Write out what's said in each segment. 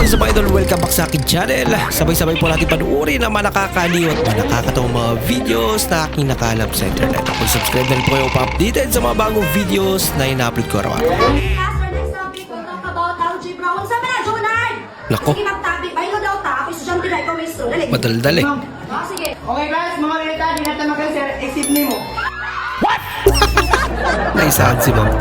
is up, idol? Welcome back sa akin channel. Sabay-sabay po natin panuorin ang mga nakakaliw at mga nakakatawang mga videos na aking nakalap sa internet. Kung subscribe na rin po kayo pa-updated sa mga bagong videos na ina-upload ko araw. Nako, madaldal eh. Sige. Okay guys, mga reta, di natin mag-sir, exit name mo. What? Naisahan si ma'am.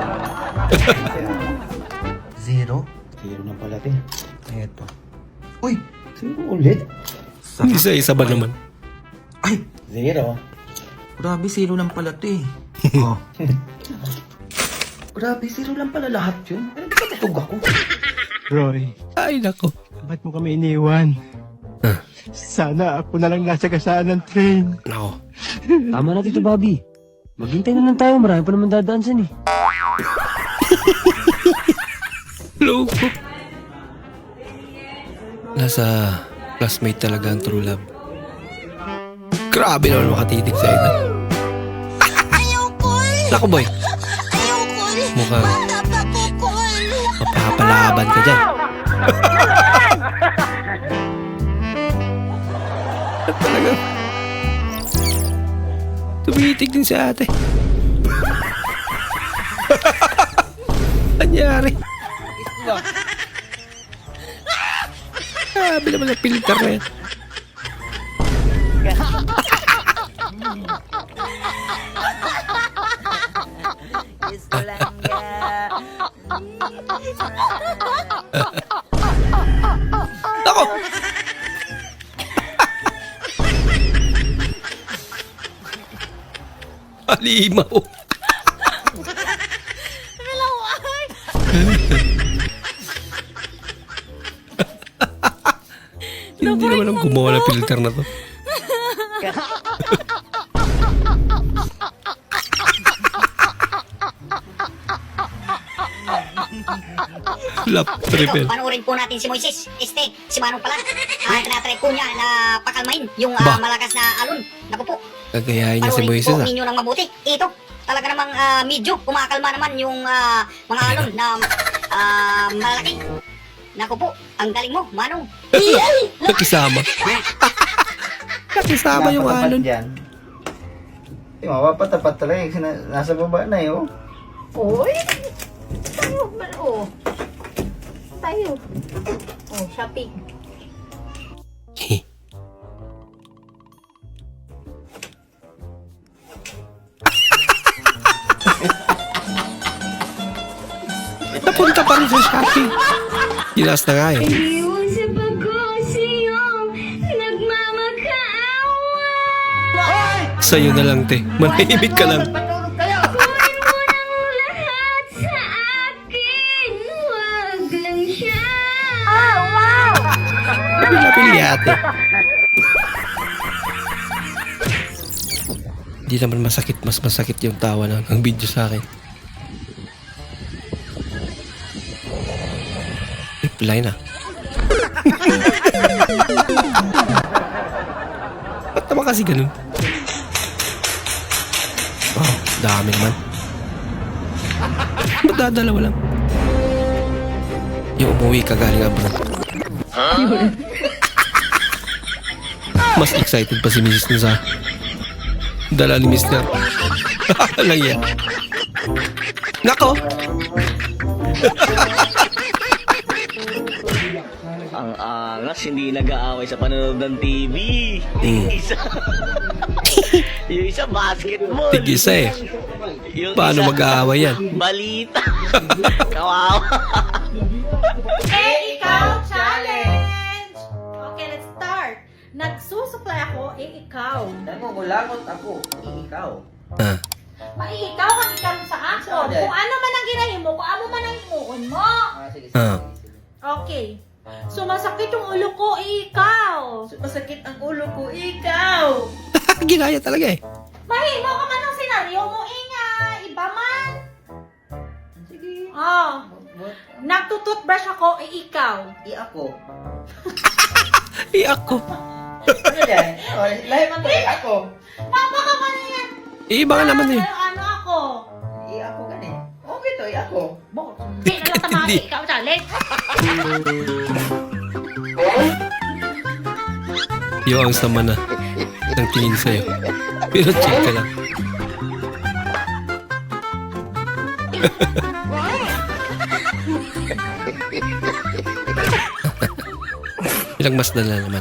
Zero na pala, te. Eto. Uy! Zero ulit? Isa-isa ba naman? Ay! Zero. Grabe, zero lang pala, te. Oh. Grabe, zero lang pala lahat yun. Ano ba natutog ako? Roy, Ay, nako. ba't mo kami iniwan? Huh? Sana ako na lang nasa kasaan ng train. Nako. Tama na, Tito Bobby. Maghintay na lang tayo. Marami pa naman dadaan saan eh. Loko. Nasa classmate talaga ang true love. Grabe naman makatitig sa ito. Nako, boy. Mukhang mapapalaban ka dyan. At talaga tumitig din sa ate. Anyari? Grabe naman ang filter na yan. Ako! Halimaw! Hindi naman ang gumawa ng filter na to. Lap, triple. Panoorin po natin si Moises. Si Manong pala. Tinatry po niya na pakalmain yung Ba? malakas na alon. Naku po. Gagayahin niya si Panoorin Moises po ah. ninyo ng mabuti. Ito, talaga namang medyo kumakalma naman yung mga alon na malalaki. Naku po, ang galing mo, Manong. Nakisama. Nakisama yung alon. Yung mapapatapat talaga yung nasa baba na eh, oh. Uy! Tayo man, oh. Tayo. Oh, shopping. Napunta pa rin sa shopping. Gilas na nga eh. Iwan sa pagkusiyong nagmamakaawa. Sa'yo na lang, te. Manahimik ka lang. Kunin mo ng lahat sa akin. Huwag lang siya. Pili ate. Hindi naman masakit. Mas masakit yung tawa ng video sa akin. Reply na. Ba't naman kasi ganun? Oh, dami naman. Ba't dadalawa lang? Yung umuwi ka galing abroad. Mas excited pa si Mrs. nun sa dala ni Mr. Lang yan. Nako! Ang angas, hindi nag-aaway sa panonood ng TV. Yung isa basketball. Tig-isa eh. Yung Paano isa, mag-aaway yan? balita. Kawawa. Ikaw challenge! Okay, let's start. Nagsusuklay ako, ikaw. Nangungulangot ako, ikaw. Ah, Ikaw ang ikaw sa ako. Sorry. Kung ano man ang ginahimo, kung ano man ang himuon mo. Sige, ah. Okay. Sumasakit yung ulo ko, ikaw. Masakit ang ulo ko, ikaw. Ginaya talaga eh. Mahimo ka man ang senaryo mo, Inga. Iba man. Sige. Oh. Nagtututbrush ako, ikaw. Ako. Ako. Ano yan? Oh, lahi man tayo, ako. Papa ka pa na yan. Iba nga naman eh. Ano ako? Ako gani. Okay to, ako. Di na lang tamaki, ikaw salit. Yo, ang sama na ng tingin sa'yo. Pero check ka lang. Ilang mas na naman.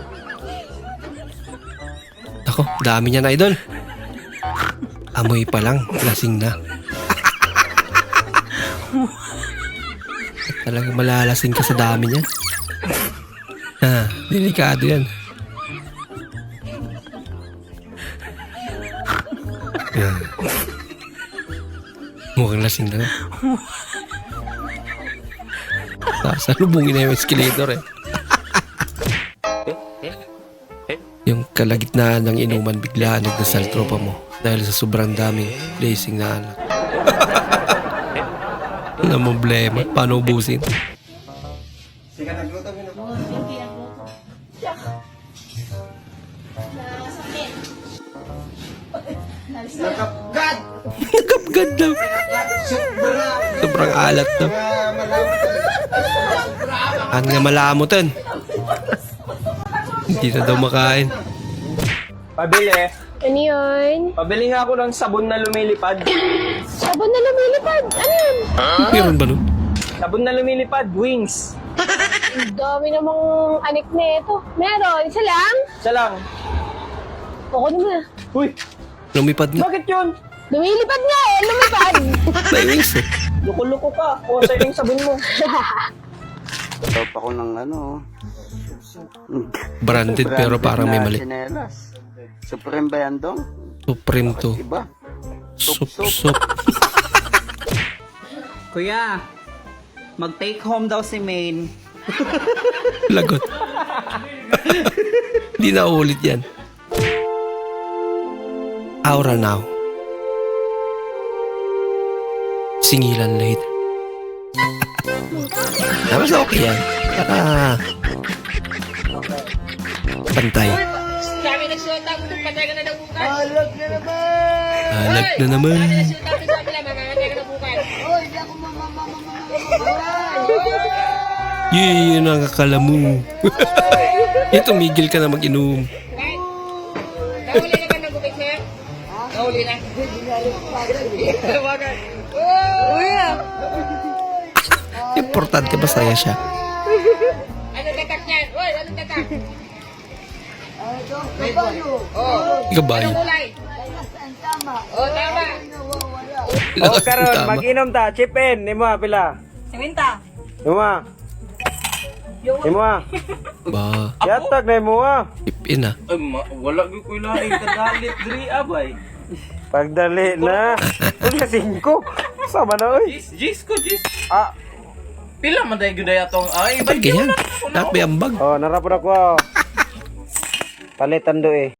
Ako, dami niya na, idol. Amoy pa lang, lasing na. Talagang malalasing ka sa dami niya. Delikado yan. Yan. Mukhang lasing na nga. Sasalubungin na yung escalator eh. Yung kalagitnaan ng inuman, biglaan nagdasal tropa mo dahil sa sobrang daming blazing na anak. Na problema, paano ubusin? Nagkapgad daw. Sobrang alat daw. Ang nga malamutan. Hindi na daw makain. Pabili. Ano yun? Pabili nga ako ng sabon na lumilipad. Sabon na lumilipad. Ano yun? Meron ba nun? Sabon na lumilipad, wings. Ang dami namang anik na ito. Meron. Isa lang? Isa lang. Ako naman. Uy, Lumipad nga. bakit yun? Lumilipad nga eh. Lumipad. May wings eh. Loko-loko ka. O, sa'yo yung sabon mo. Top ako ng ano. Branded pero parang may mali. Chinelas. Supreme ba yan dong? Supreme to. Iba. Sup. Kuya, mag-take home daw si Maine. Lagot. Hindi na ulit yan. Aura now. Singilan later. Tapos okay yan. Pantay. Alag na naman. Yun ang akala mo. Tumigil ka na mag-inom. Nahuli na ba ng gupit, sir? Nahuli na. Importante masaya siya. Anong tatak niyan? Uy, anong tatak? Kabayo. Kulay. Oh, tama. Oh, karon, mag-inom ta. Chip in. Nimo pila. 50. Nimo. Nimo. Ba, Yatag na mo. ipin ah. Wala ko lain kadalit diri abay. Pagdali na. Unya 5. Sama na oy. Jis ko. Ah. Pila man day gyud atong ay Ba't ganyan? Nakapay ambag. Oh, narapod ako. Palitan do eh.